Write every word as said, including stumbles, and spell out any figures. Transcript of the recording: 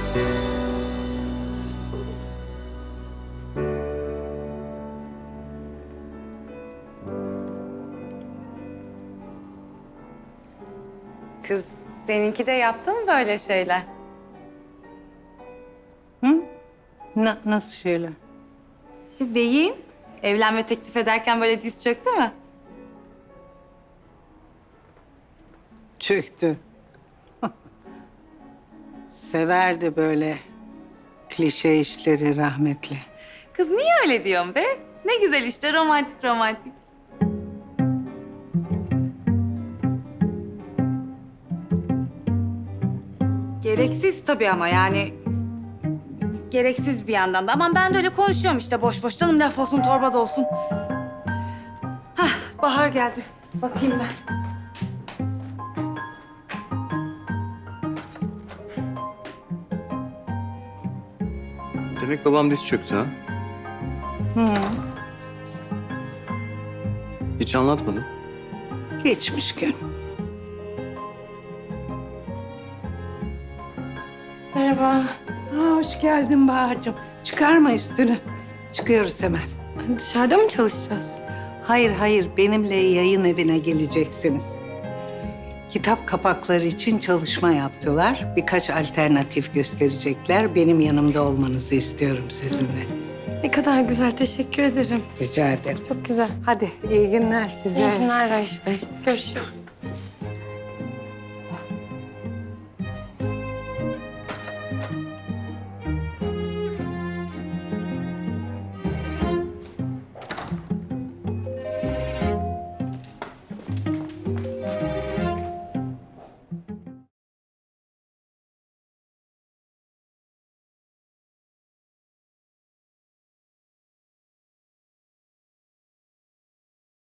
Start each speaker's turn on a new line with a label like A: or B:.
A: Kız, seninki de yaptı mı böyle şeyler?
B: Hı? Na- nasıl şeyler?
A: Şimdi beyin evlenme teklif ederken böyle diz çöktü mü?
B: Çöktü. Severdi böyle klişe işleri rahmetli.
A: Kız niye öyle diyorsun be? Ne güzel işte romantik romantik. Gereksiz tabii ama yani... Gereksiz bir yandan da. Aman ben de öyle konuşuyorum işte boş boş. Canım laf olsun torba da olsun. Hah, bahar geldi. Bakayım ben.
C: Demek babam diz çöktü ha?
B: Hı.
C: Hiç anlatmadı.
B: Geçmiş gün.
D: Merhaba.
B: Aa, hoş geldin Bahar'cığım. Çıkarma üstünü. Çıkıyoruz hemen.
D: Dışarıda mı çalışacağız?
B: Hayır hayır, benimle yayın evine geleceksiniz. Kitap kapakları için çalışma yaptılar. Birkaç alternatif gösterecekler. Benim yanımda olmanızı istiyorum sizin de.
D: Ne kadar güzel, teşekkür ederim.
B: Rica ederim.
D: Çok güzel.
B: Hadi iyi günler size.
D: İyi günler Reis Bey. Görüşürüz.